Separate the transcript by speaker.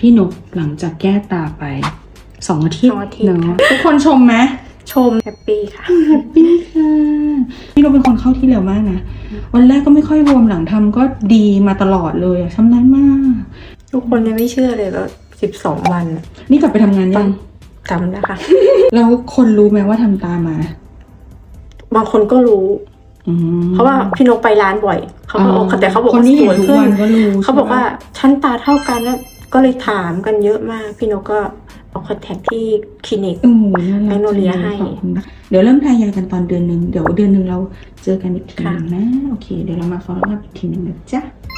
Speaker 1: พี่นกหลังจากแก้ตาไป2 อาทิตย์เนาะทุกคนชมไหม
Speaker 2: ชมแฮปปี้ค่ะ
Speaker 1: แฮปปี้ค่ะพี่นกเป็นคนเข้าที่เร็วมากนะวันแรกก็ไม่ค่อยบวมหลังทำก็ดีมาตลอดเลยชำนาญมาก
Speaker 2: ทุกคนยังไม่เชื่อเลยว่า12 วัน
Speaker 1: นี่กลับไปทำงานยัง
Speaker 2: ทำนะคะ
Speaker 1: แล้วคนรู้ไหมว่าทำตามา
Speaker 2: บางคนก็รู้เพราะว่าพี่นกไปร้านบ่อยเขาก็แต่เขาบอกว่าสวยขึ้นเขาบอกว่าชั้นตาเท่ากันแล้วก็เลยถามกันเยอะมากพี่นกก็เอาคอนแทคที่คลินิกแมกโนเลียให้
Speaker 1: เดี๋ยวเริ่มทายากันตอนเดือน 1เดี๋ยวเดือน 1เราเจอกันอีกทีนึงนะโอเคเดี๋ยวเรามา follow up อีกทีนึงนะจ๊ะ